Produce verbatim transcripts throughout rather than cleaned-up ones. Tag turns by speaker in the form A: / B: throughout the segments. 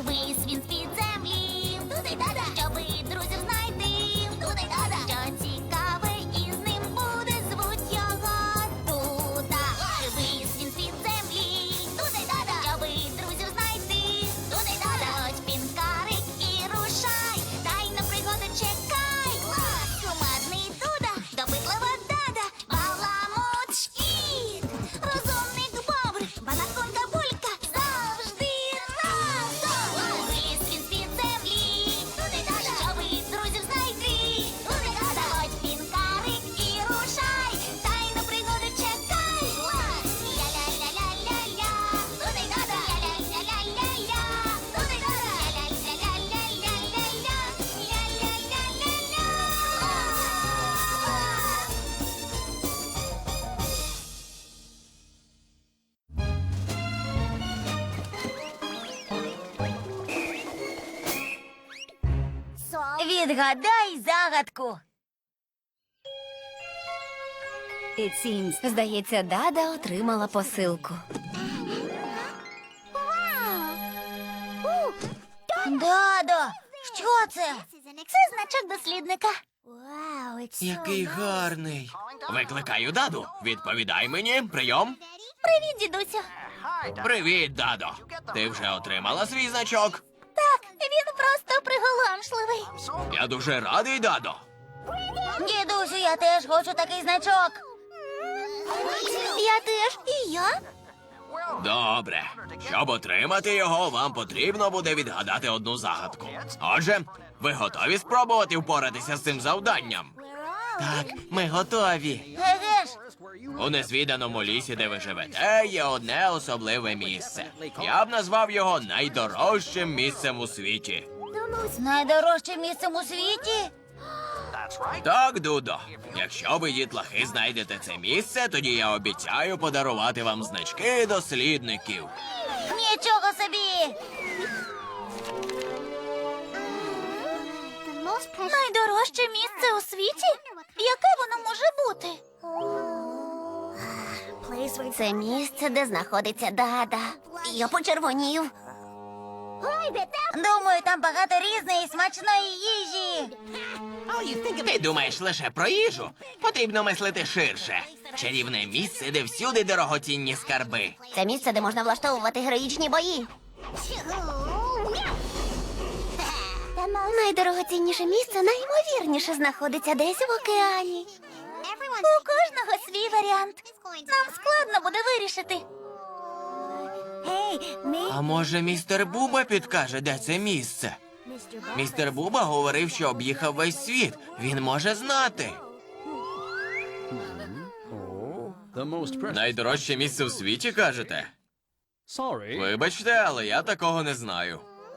A: Вись він з-під землі. Туди-дада. Щоби друзів знайти. Туди-дада. Що цікаве із ним буде, звуть його Дуда. Вись він з-під землі. Туди-дада. Щоби друзів знайти. Туди-дада. Ось пінкарик і рушай. Дай на пригоди чекай. Кумедний Дуда, допитлива Дада, баламут шкіт, розумник Бобр, банаконка Булька завжди разом. Виліз він з-під землі. Туди-дада. Щоби друзів знайти. Туди-дада. Ось пінкарик і рушай. Дай на пригоди чекай. Ля-ля-ля-ля-ля-ля. Туди-дада. Ля-ля-ля-ля-ля-ля. Туди-дада. Ля-ля-ля-ля-ля-ля. Ля-ля-ля-ля-ля.
B: Відгадай загадку. Здається, Дада отримала посилку. Дадо, що це?
A: Це значок дослідника.
C: Який гарний. Викликаю Даду. Відповідай мені. Прийом.
A: Привіт, дідусю.
C: Привіт, Дадо. Ти вже отримала свій значок?
A: Так, він просто приголомшливий.
C: Я дуже радий, Дадо.
B: Дідусю, я теж хочу такий значок.
A: Я теж. І я.
C: Добре. Щоб отримати його, вам потрібно буде відгадати одну загадку. Отже, ви готові спробувати впоратися з цим завданням? Так, ми готові.
B: Еге ж,
C: У незвіданому лісі, де ви живете, є одне особливе місце. Я б назвав його найдорожчим місцем у світі.
B: найдорожчим місцем у світі?
C: Так, Дудо. Якщо ви, дітлахи, знайдете це місце, тоді я обіцяю подарувати вам значки дослідників.
B: Нічого собі!
A: Найдорожче місце у світі? Яке воно може бути?
B: Це місце, де знаходиться Дада. Я почервонів. Думаю, там багато різної смачної їжі.
C: Ти думаєш лише про їжу? Потрібно мислити ширше. Чарівне місце, де всюди дорогоцінні скарби.
B: Це місце, де можна влаштовувати героїчні бої. Найдорогоцінніше місце найімовірніше знаходиться десь в океані.
A: У кожного свій варіант. Нам складно буде вирішити.
C: А може, містер Буба підкаже, де це місце? Містер Буба говорив, що об'їхав весь світ. Він може знати.
D: The most precious.
C: Найдорожче місце у світі, кажете?
D: Sorry.
C: Вибачте, але я такого не знаю.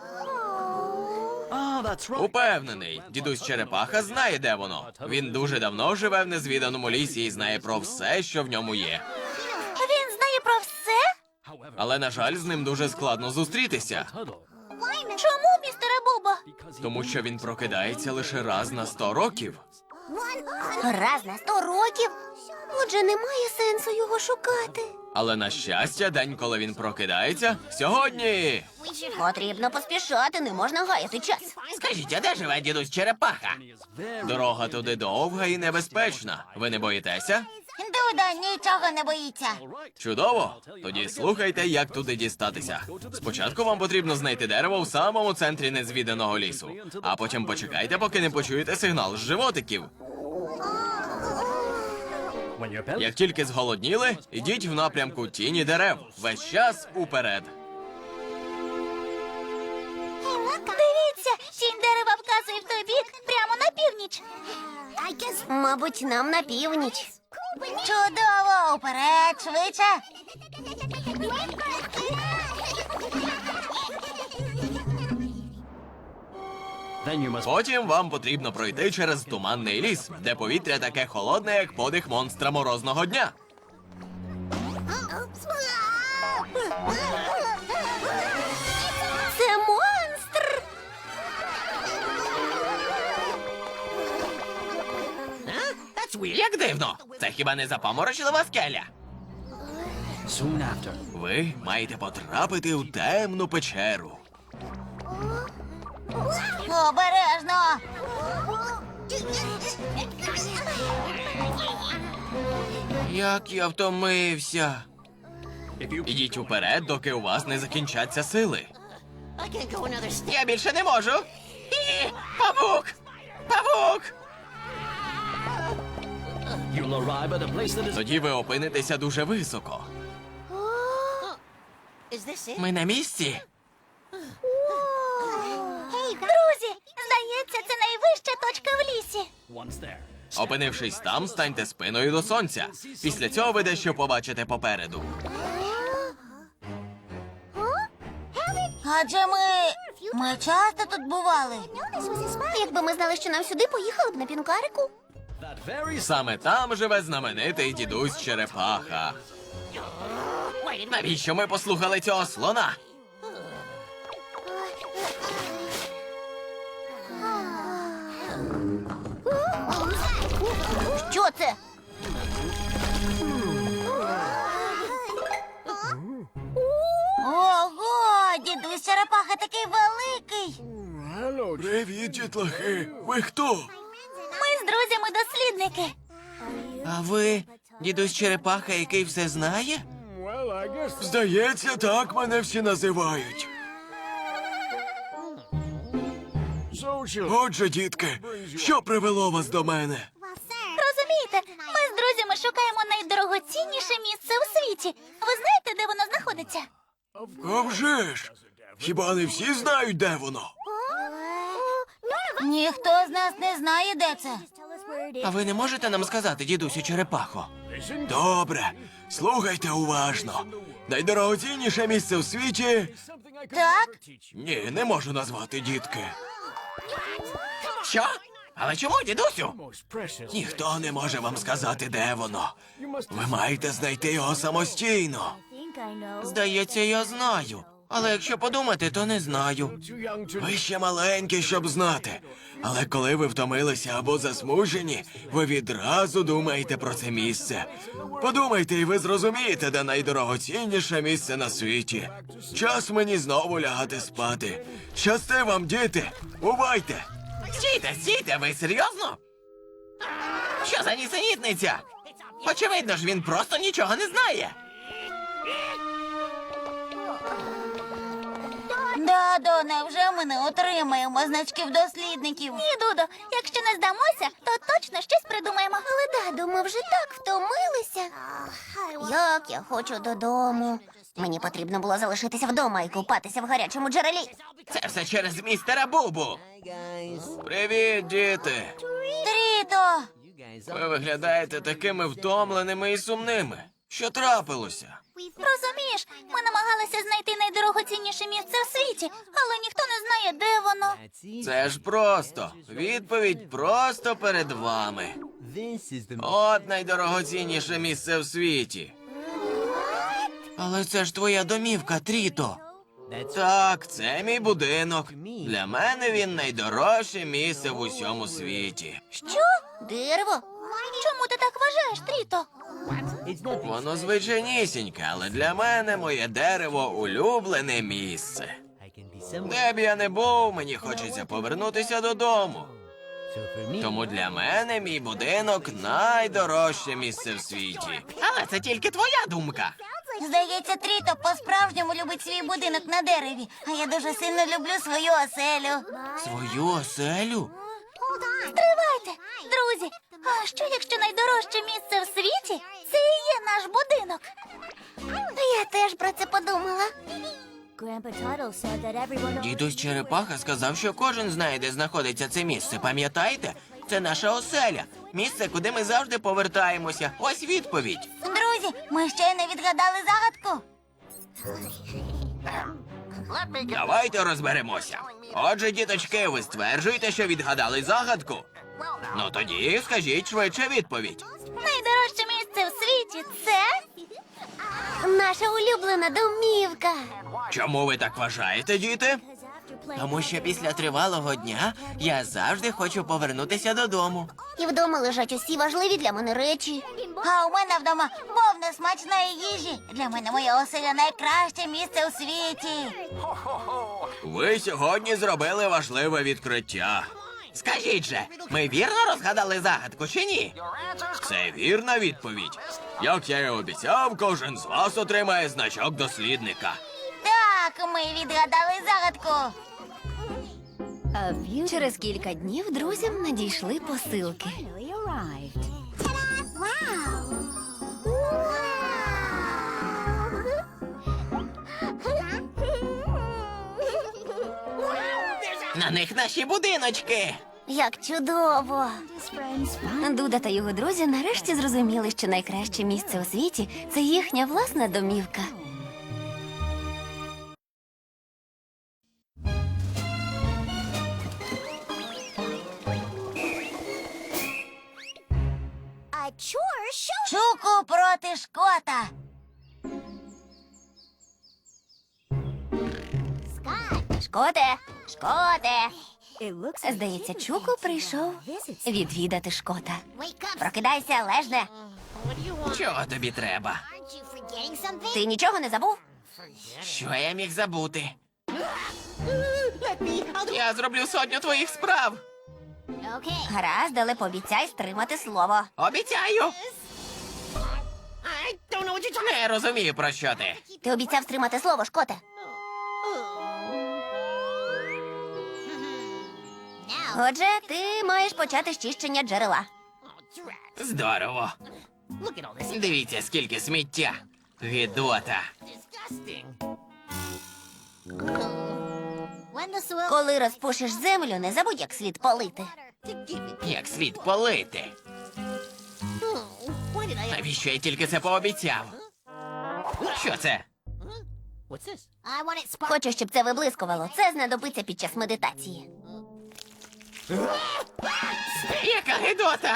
D: Ah, that's right.
C: Упевнений, дідусь Черепаха знає, де воно. Він дуже давно живе в незвіданому лісі і знає про все, що в ньому є.
A: Він знає про все?
D: However,
C: Але, на жаль, з ним дуже складно зустрітися.
D: Tuttle.
A: Чому, містере Бубо?
C: Тому що він прокидається лише раз на сто років.
B: Раз на сто років? Отже, немає сенсу його шукати.
C: Але, на щастя, день, коли він прокидається, сьогодні.
B: Потрібно поспішати, не можна гаяти час.
C: Скажіть, а де живе дідусь Черепаха?
D: He is very.
C: Дорога туди довга і небезпечна. Ви не боїтеся?
B: Дуда нічого не боїться.
D: All right.
C: Чудово! Тоді слухайте, як туди дістатися. Спочатку вам потрібно знайти дерево в самому центрі незвіданого лісу. А потім почекайте, поки не почуєте сигнал з животиків.
D: When your belly.
C: Як тільки зголодніли, ідіть в напрямку тіні дерев. Весь час уперед.
A: Дивіться, тінь дерева вказує в той бік, прямо на північ.
B: Мабуть, нам на північ. Чудово! Уперед, швидше!
D: Then you must.
C: Потім вам потрібно пройти через туманний ліс, де повітря таке холодне, як подих монстра морозного дня.
B: Це монстр!
C: Як дивно! Це хіба не запаморочлива скеля?
D: Soon after.
C: Ви маєте потрапити у темну печеру.
B: Обережно!
C: Як я втомився.
D: If you
C: Ідіть уперед, доки у вас не закінчаться сили.
A: I can't go another step.
C: Я більше не можу. І, павук! Павук!
D: you'll arrive at a place that is
C: Тоді ви опинитеся дуже високо.
A: Is this it?
C: Ми на місці.
B: Друзі, здається, це найвища точка в лісі.
D: once there.
C: Опинившись там, станьте спиною до сонця. Після цього ви дещо побачите попереду.
B: Адже ми... ми часто тут бували. Якби ми знали, що нам сюди, поїхали б на пінкарику.
D: That very
C: Саме там живе знаменитий дідусь Черепаха. Навіщо ми послухали цього слона?
B: Що це? Ого, дідусь Черепаха такий великий.
C: Привіт, дітлахи. Ви хто?
B: Ми з друзями-дослідники.
C: А ви дідусь Черепаха, який все знає? Здається, так мене всі називають. Отже, дітки, що привело вас до мене?
B: Розумієте, ми з друзями шукаємо найдорогоцінніше місце у світі. Ви знаєте, де воно знаходиться?
C: А вже ж! Хіба не всі знають, де воно?
B: Ніхто з нас не знає, де це.
C: А ви не можете нам сказати, дідусю Черепахо? Добре, слухайте уважно. Найдорогоцінніше місце у світі...
B: Так?
C: Ні, не можу назвати, дітки. Що? Але чому, дідусю?
D: most precious.
C: Ніхто не може вам сказати, де воно. Ви маєте знайти його самостійно. Здається, я знаю. Але якщо подумати, то не знаю.
D: Too young to
C: Ви ще маленькі, щоб знати. Але коли ви втомилися або засмужені, ви відразу думаєте про це місце. Подумайте, і ви зрозумієте, де найдорогоцінніше місце на світі. Час мені знову лягати спати. Щасти вам, діти! Бувайте! Стійте, стійте, ви серйозно? Що за нісенітниця? Очевидно ж, він просто нічого не знає.
B: Дадо, невже ми не отримаємо значків дослідників? Ні, Дудо, якщо не здамося, то точно щось придумаємо. Але, Дадо, ми вже так втомилися. Як я хочу додому. Мені потрібно було залишитися вдома і купатися в гарячому джерелі.
C: Це все через містера Бубу. Привіт, діти.
B: Тріто!
C: Ви виглядаєте такими втомленими і сумними. Що трапилося?
B: Розумієш, ми намагалися знайти найдорогоцінніше місце в світі, але ніхто не знає, де воно.
C: Це ж просто. Відповідь просто перед вами. От найдорогоцінніше місце в світі. Але це ж твоя домівка, Тріто. Так, це мій будинок. Для мене він найдорожче місце в усьому світі.
B: Що? Дерево? Чому ти так вважаєш, Тріто?
C: Воно звичайнісіньке, але для мене моє дерево улюблене місце. Де б я не був, мені хочеться повернутися додому. Тому для мене мій будинок найдорожче місце в світі. Але це тільки твоя думка.
B: Здається, Тріто по-справжньому любить свій будинок на дереві, а я дуже сильно люблю свою оселю.
C: Свою оселю?
B: Стривайте, друзі, а що якщо найдорожче місце в світі – це і є наш будинок? Я теж про це подумала.
C: Дідусь Черепаха сказав, що кожен знає, де знаходиться це місце. Пам'ятаєте? Це наша оселя. Місце, куди ми завжди повертаємося. Ось відповідь.
B: Друзі, ми ще не відгадали загадку.
C: Давайте розберемося. Отже, діточки, ви стверджуєте, що відгадали загадку? Ну тоді скажіть швидше відповідь.
B: Найдорожче місце в світі – це… наша улюблена домівка.
C: Чому ви так вважаєте, діти? Тому що після тривалого дня я завжди хочу повернутися додому.
B: І вдома лежать усі важливі для мене речі. А у мене вдома повно смачної їжі. Для мене моя оселя найкраще місце у світі.
C: Ви сьогодні зробили важливе відкриття. Скажіть же, ми вірно розгадали загадку чи ні? Це вірна відповідь. Як я і обіцяв, кожен з вас отримає значок дослідника.
B: Так, ми відгадали загадку.
E: Через кілька днів друзям надійшли посилки.
C: На них наші будиночки.
B: Як чудово.
E: Дуда та його друзі нарешті зрозуміли, що найкраще місце у світі – це їхня власна домівка.
B: Чуку проти Шкота.
E: Шкоте! Шкоте! Здається, Чуку прийшов відвідати Шкота. Прокидайся, лежне!
C: Чого тобі треба?
E: Ти нічого не забув?
C: Що я міг забути? Я зроблю сотню твоїх справ.
E: Гаразд, але пообіцяй стримати слово.
C: Обіцяю. Не розумію, про що ти.
E: Ти обіцяв стримати слово, Шкоте. Отже, ти маєш почати з чищення джерела.
C: Здорово. Дивіться, скільки сміття. Гидота.
E: Коли розпушиш землю, не забудь, як слід полити.
C: Як слід полити. Навіщо я тільки це пообіцяв? Що це?
E: Хочу, щоб це виблискувало. Це знадобиться під час медитації.
C: Яка гидота?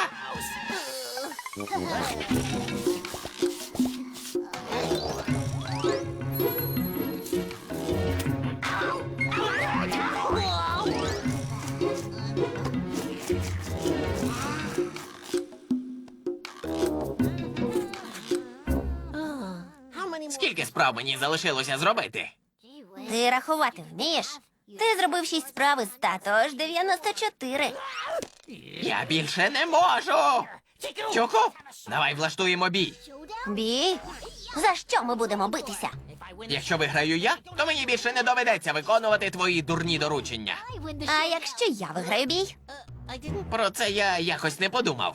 C: Скільки справ мені залишилося зробити?
E: Ти рахувати вмієш? Ти зробив шість справ із ста, тож дев'яносто чотири.
C: Я більше не можу. Чуку, давай влаштуємо бій.
E: Бій? За що ми будемо битися?
C: Якщо виграю я, то мені більше не доведеться виконувати твої дурні доручення.
E: А якщо я виграю бій?
C: Про це я якось не подумав.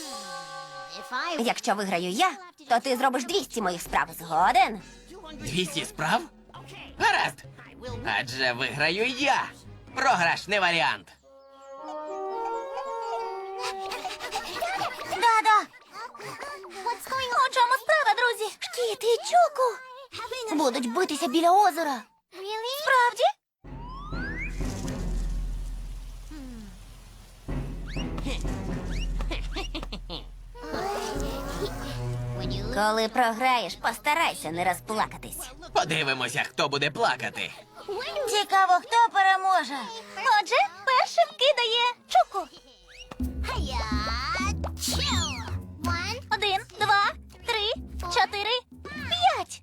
E: Якщо виграю я, то ти зробиш двісті моїх справ. Згоден?
C: Двісті справ? Гаразд. Адже виграю я. Програш не варіант.
B: Да-да. У чому справа, друзі?
E: Шкіт і Чуку будуть битися біля озера.
B: Справді?
E: Коли програєш, постарайся не розплакатись.
C: Подивимося, хто буде плакати.
B: Цікаво, хто переможе.
E: Отже, першим кидає Чуку.
B: Один, два, три, чотири, п'ять.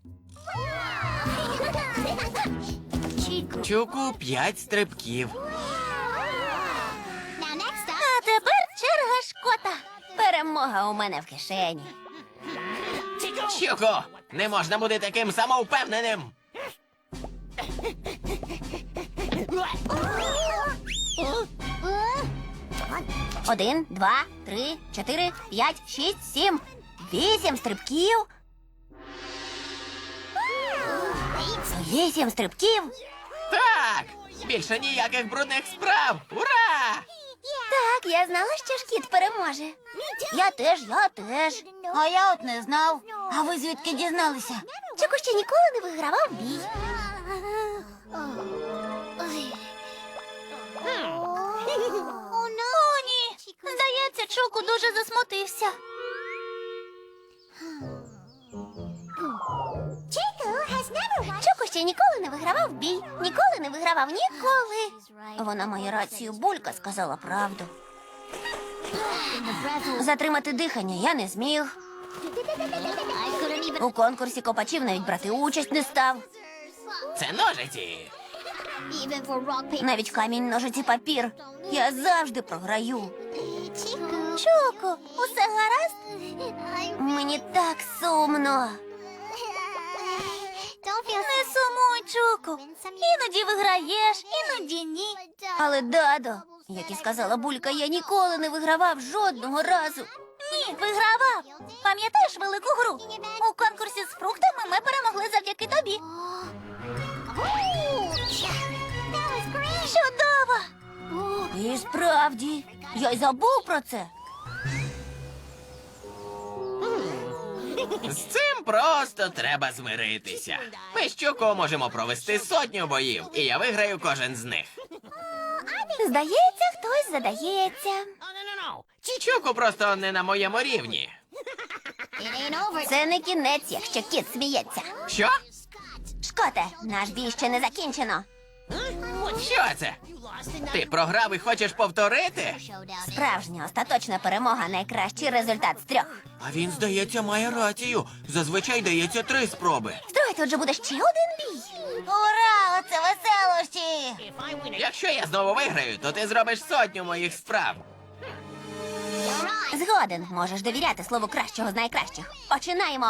C: Чуку п'ять стрибків.
B: А тепер черга Шкота.
E: Перемога у мене в кишені.
C: Чуку, не можна бути таким самовпевненим.
E: Один, два, три, чотири, п'ять, шість, сім, вісім стрибків. Вісім стрибків.
C: Так, більше ніяких брудних справ. Ура!
E: Так, я знала, що Шкіт переможе. Я теж, я теж.
B: А я от не знав. А ви звідки дізналися?
E: Чуку ще ніколи не вигравав бій.
B: О, ні. Здається, Чуку дуже засмутився.
E: Чуку ще ніколи не вигравав бій. Ніколи не вигравав, ніколи. Вона має рацію, Булька сказала правду. Затримати дихання я не зміг. У конкурсі копачів навіть брати участь не став.
C: Це ножиці.
E: Навіть камінь, ножиці, папір. Я завжди програю. Чоко, усе гаразд? Мені так сумно.
B: Не сумуй, Чуку. Іноді виграєш, іноді ні.
E: Але, Дадо, як і сказала Булька, я ніколи не вигравав жодного разу.
B: Ні, вигравав. Пам'ятаєш велику гру? У конкурсі з фруктами ми перемогли завдяки тобі. Чудово!
E: І справді, я й забув про це.
C: З цим просто треба змиритися. Ми з Чуко можемо провести сотню боїв, і я виграю кожен з них.
E: Здається, хтось задається.
C: Чуко просто не на моєму рівні.
E: Це не кінець, якщо кіт сміється.
C: Що?
E: Шкоте, наш бій ще не закінчено.
C: Що це? Ти програв і хочеш повторити?
E: Справжня остаточна перемога — найкращий результат з трьох.
C: А він, здається, має рацію. Зазвичай дається три спроби.
E: Стривай, тут же буде ще один бій.
B: Ура! Оце веселощі!
C: Якщо я знову виграю, то ти зробиш сотню моїх справ.
E: Згоден, можеш довіряти слову кращого з найкращих. Починаємо.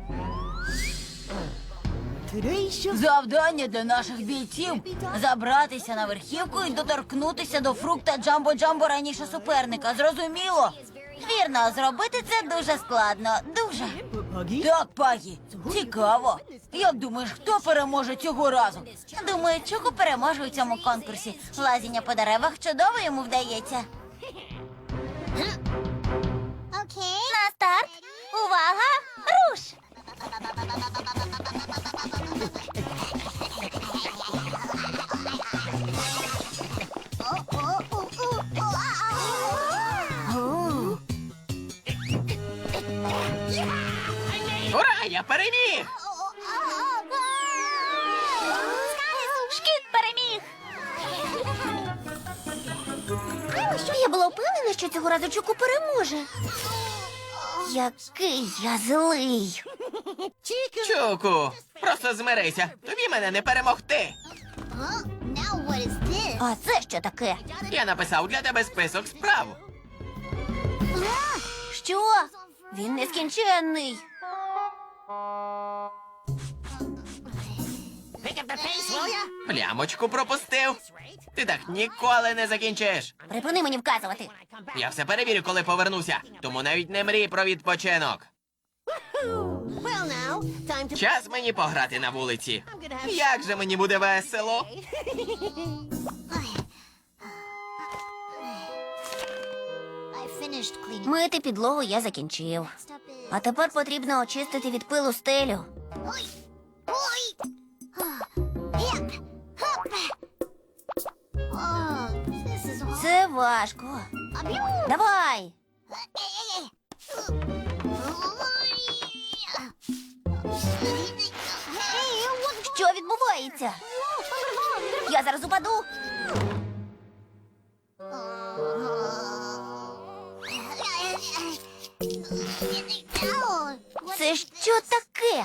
B: Завдання для наших бійців – забратися на верхівку і доторкнутися до фрукта Джамбо-Джамбо раніше суперника. Зрозуміло? Вірно, зробити це дуже складно. Дуже. Так, Пагі, цікаво. Як думаєш, хто переможе цього разу? Думаю, Чуку переможе у цьому конкурсі. Лазіння по деревах чудово йому вдається. На старт! Увага! Руш!
C: Ура, я переміг!
B: Шкіт переміг!
E: Я була впевнена, що цього разу Чуку переможе. Який я злий.
C: Чуку, просто змирися. Тобі мене не перемогти.
E: А це що таке?
C: Я написав для тебе список справ.
E: Що? Він нескінченний.
C: Плямочку пропустив. Ти так ніколи не закінчиш.
E: Припини мені вказувати.
C: Я все перевірю, коли повернуся. Тому навіть не мрій про відпочинок. Час мені пограти на вулиці. Як же мені буде весело.
E: Мити підлогу я закінчив. А тепер потрібно очистити від пилу стелю. Це важко. Давай. Що відбувається? Я зараз упаду. Це що таке?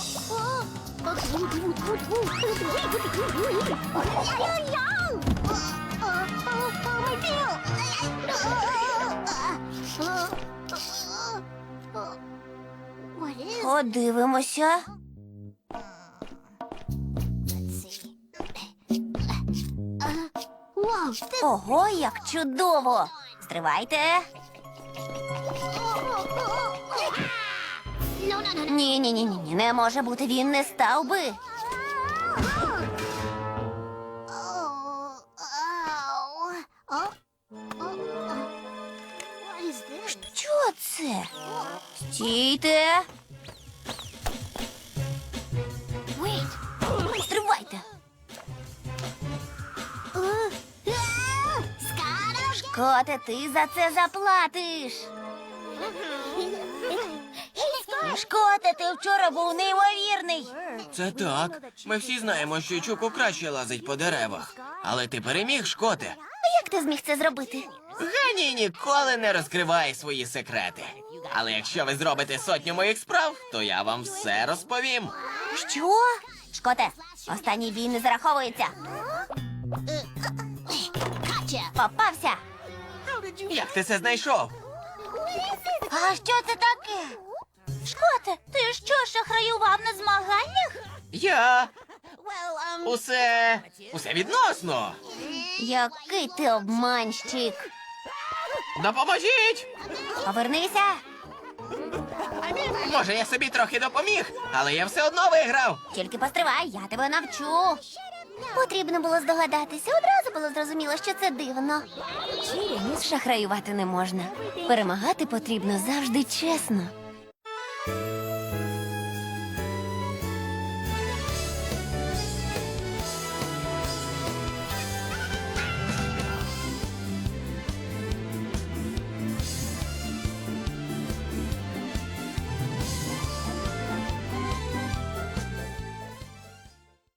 E: Подивимося. Ого, як чудово! Стривайте. Ні, ні, ні, ні, не може бути, він не став би. Що це? Стійте. Стривайте. Шкоте, ти за це заплатиш.
B: Шкоте, ти вчора був неймовірний.
C: Це так. Ми всі знаємо, що Чуку краще лазить по деревах. Але ти переміг, Шкоте.
E: Як ти зміг це зробити?
C: Геній ніколи не розкриває свої секрети. Але якщо ви зробите сотню моїх справ, то я вам все розповім.
E: Що? Шкоте, останній бій не зараховується. Попався.
C: Як ти це знайшов?
B: А що це таке? Шкоте, ти що, шахраював на змаганнях?
C: Я. Усе. Усе відносно.
E: Який ти обманщик.
C: Допоможіть!
E: Повернися.
C: Може, я собі трохи допоміг, але я все одно виграв.
E: Тільки постривай, я тебе навчу. Потрібно було здогадатися. Одразу було зрозуміло, що це дивно. Шахраювати не можна. Перемагати потрібно завжди чесно.